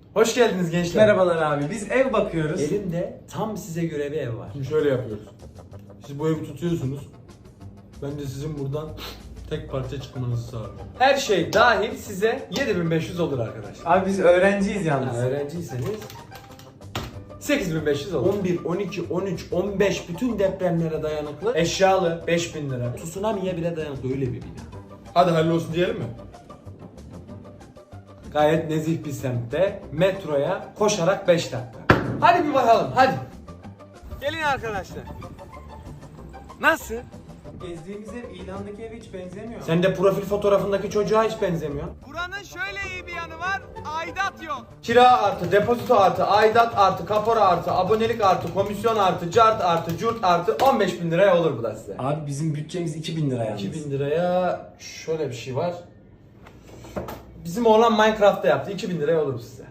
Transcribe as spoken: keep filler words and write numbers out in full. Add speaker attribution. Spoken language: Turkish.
Speaker 1: Hoş geldiniz gençler.
Speaker 2: Merhabalar abi. Biz ev bakıyoruz.
Speaker 1: Elimde tam size göre bir ev var.
Speaker 3: Şimdi şöyle yapıyoruz. Siz bu evi tutuyorsunuz. Ben de sizin buradan tek parça çıkmanızı sağlıyorum.
Speaker 1: Her şey dahil size yedi bin beş yüz olur arkadaşlar.
Speaker 2: Abi biz öğrenciyiz yalnız.
Speaker 1: Yani öğrenciyseniz sekiz bin beş yüz olur. on bir, on iki, on üç, on beş bütün depremlere dayanıklı. Eşyalı beş bin lira. Tsunami'ye bile dayanıklı öyle bir bina.
Speaker 3: Hadi hallolsun diyelim mi?
Speaker 1: Gayet nezih bir semtte metroya koşarak beş dakika. Hadi bir bakalım hadi. Gelin arkadaşlar. Nasıl?
Speaker 2: Gezdiğimiz ev ilandaki eve hiç benzemiyor.
Speaker 1: Sen de profil fotoğrafındaki çocuğa hiç benzemiyor.
Speaker 4: Buranın şöyle iyi bir yanı var, aidat yok.
Speaker 1: Kira artı, depozito artı, aidat artı, kapora artı, abonelik artı, komisyon artı, cart artı, curt artı on beş bin liraya olur bu da size.
Speaker 2: Abi bizim bütçemiz iki bin lira yalnız.
Speaker 1: iki bin liraya şöyle bir şey var. Bizim oğlan Minecraft'ta yaptı. iki bin liraya olur size.